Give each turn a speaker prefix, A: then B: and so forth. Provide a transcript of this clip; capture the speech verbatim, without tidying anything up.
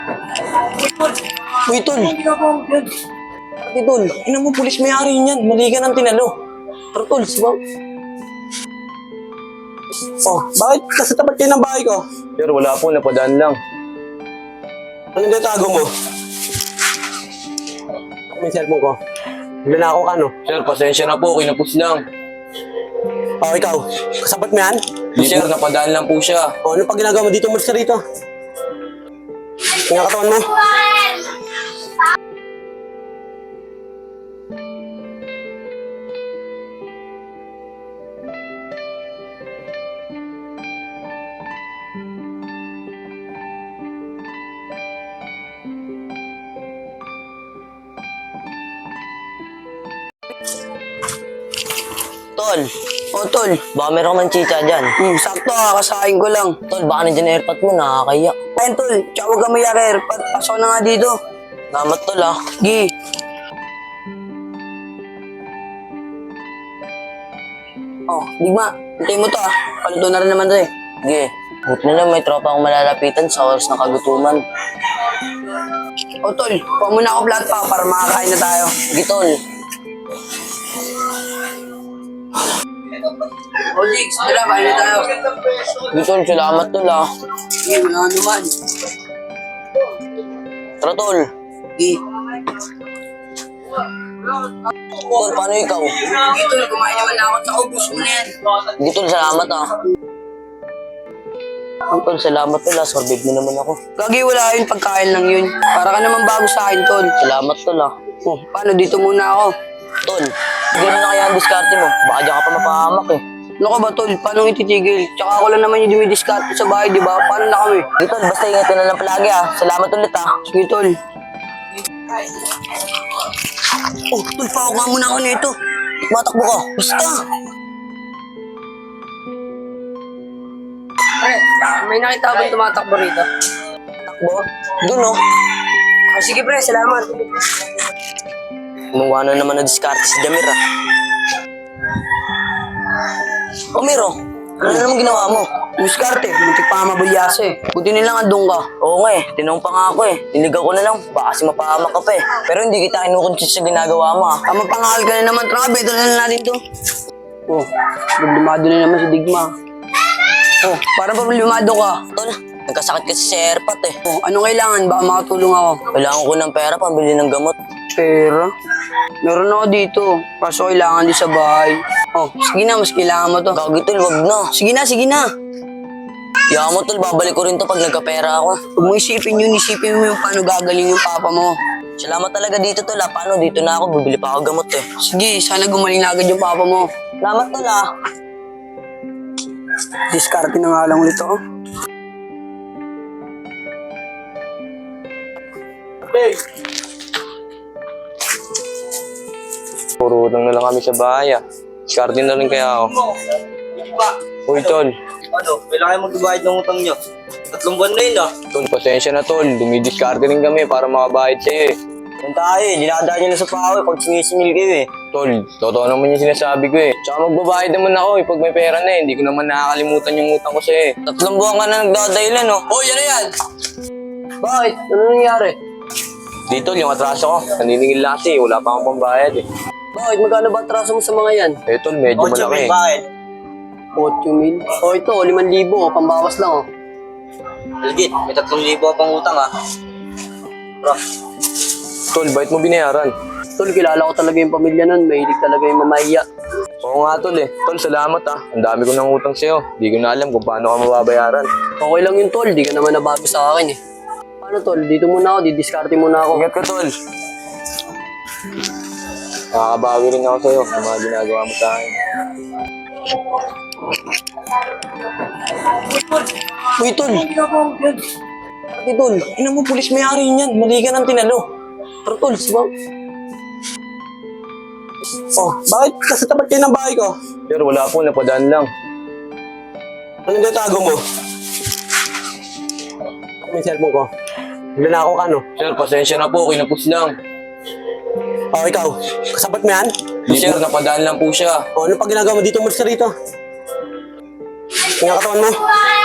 A: Uy, tol. Pati tol, ina mo, pulis may-ari niyan. Mali ka ng tinalo. Pero tol, sibaw.
B: Oh, bakit kasi tapat kayo ng bahay ko?
C: Sir, wala po, napadaan lang.
B: Anong gatago mo? May cellphone ko. Nanako ka, no?
C: Sir, pasensya na po, kinapos lang.
B: Oh, ikaw. Kasapat mo yan?
C: Di sir, napadaan lang po siya.
B: Oh, ano pa ginagawa mo dito? Umalis ka rito. Tingnan katawan mo.
A: Tol. Oh, tol. Baka meron ka man chicha dyan.
D: Hmm, sakto, kakasahin ko lang.
A: Tol, baka nandiyan na airpot mo, nakakaya.
D: Ayun, tol. Tsaka huwag ka mayari. Pa- Pasok na nga dito.
A: Namat tol ah.
D: Gi. Oh, digma. Hintay mo to ah. Paluto na rin naman to eh.
A: Sige. Buti na lang may tropa akong malalapitan sa oras ng kagutuman.
D: Oh, tol. Kuha muna ako flat pa para makakain na tayo.
A: Sige, tol.
D: Oh, Jigs. Tara, kain na tayo.
A: Sige, tol. Salamat tol ah.
D: Gi, wala naman.
A: Tara, tol.
D: Gi.
A: Tol, paano ikaw?
D: Gi, tol. Kumain naman na ako. Tsaka ubus mo na yan.
A: Sige, tol. Salamat ah. Ang tol, salamat tol ah. Sorbet mo naman ako.
D: Gagi, wala yun. Pagkain lang yun. Para ka naman bago sa akin, tol.
A: Salamat tol ah.
D: Oh, paano? Dito muna ako.
A: Tol, gano'n na kaya ang diskarte mo? Baka diyan ka pa mapahamak eh.
D: Ano ka ba, tol? Paano ititigil? Tsaka ako lang naman yung dumidiskarte sa bahay, di ba? Paano na kami?
A: Sige, tol. Basta ingatan na lang palagi ah. Salamat ulit ah.
D: Sige, tol. Oh, tol, pawak nga muna ako nito.
A: Matakbo ka. Basta.
D: Pre, may nakita ba yung tumatakbo rito?
A: Takbo. Doon oh.
D: Oh, sige, pre, salamat.
A: Gumawa na naman na diskarte si Jamir ah. O Miro, ano na naman ginawa mo?
D: Diskarte, muntik pa nga mabulyaso eh. Buti nilang andun ka.
A: Oo nga eh, tinanong pa nga ako eh. Niligaw ko na lang, baka kasi mapahamak ka pa eh. Pero hindi kita kinukonsist sa ginagawa mo ah.
D: Tama pangal ka na naman, trabe. Ito na lang natin to. Oh, problemado na naman si Digma. Oh, para problemado ka.
A: Tol, nagkasakit kasi si Airpat eh.
D: Oh, ano kailangan? Baka makatulong ako.
A: Kailangan ko ng pera pambili ng gamot.
D: Pera? Meron ako dito. Kaso kailangan di sa bahay. Oh, sige na, mas kailangan mo to.
A: Gagi tol, wag na.
D: Sige na, sige na.
A: Yaman mo tol, babalik ko rin to pag nagkapera ako.
D: Huwag mo isipin yun, isipin mo yung paano gagaling yung papa mo.
A: Salamat talaga dito tol ah. Paano? Dito na ako, bibili pa ako gamot eh.
D: Sige, sana gumaling na agad yung papa mo.
A: Salamat tol ah.
D: Diskarte na nga lang ulit ako.
B: Hey!
C: Puro utang na lang kami sa bahay ah. Diskarte na rin kaya ako. Uy, tol.
B: Ano? Kailangan magbabayad ng utang nyo. Tatlong buwan na yun, ah.
C: Tol, pasensya na tol. Dumidiskarte rin kami para makabayad sa'yo eh.
A: Yan tayo eh, dinadaan nyo na sa pawe pag sinisingil kayo eh.
C: Tol, totoo naman yung sinasabi ko eh. Tsaka magbabayad naman ako eh pag may pera na eh. Hindi ko naman nakakalimutan yung utang ko sa'yo eh.
A: Tatlong buwan ka na nagdadahilan oh.
D: Oh, yan na yan! Bakit? Ano nangyari?
C: Dito, yung atraso ko. Naniningil lang kasi wala pa akong pambayad eh.
D: Bakit? Magkano ba atraso mo sa mga yan?
C: Eh tol, medyo malaki eh.
B: Bakit?
D: eight mil. Oh, ito, limang libo. Oh, pambawas lang, oh.
B: Legit, may tatlong libo pang utang, ah. Bro.
C: Tol, bait mo binayaran?
D: Tol, kilala ko talaga yung pamilya nun. Mahilig talaga yung mamahiya.
C: Oo nga tol eh. Tol, salamat ah. Ang dami ko ng utang sa'yo. Di ko na alam kung paano ka mababayaran.
D: Okay lang yun, tol. Di ka naman nabago sa akin, eh. Paano, tol? Dito muna ako. Didiskarte muna ako.
C: Ingat ka tol. Nakakabawi rin ako sa'yo sa mga ginagawa mo sa akin.
A: Uy tol. Pati tol, ina mo, pulis may-ari niyan. Mali ka ng tinalo. Pero tol, sibaw.
B: Oh, bakit kasi tapat kayo ng bahay ko?
C: Sir, wala po. Napadaan lang.
B: Anong gatago mo? May cellphone ko. Nanako ka, no?
C: Sir, pasensya na po. Kinapos lang.
B: Oh, ikaw. Kasapat mo yan?
C: Di sir, napadaan lang po siya.
B: Oh, ano pa ginagawa mo dito? Umalis ka rito. Tingnan katawan mo.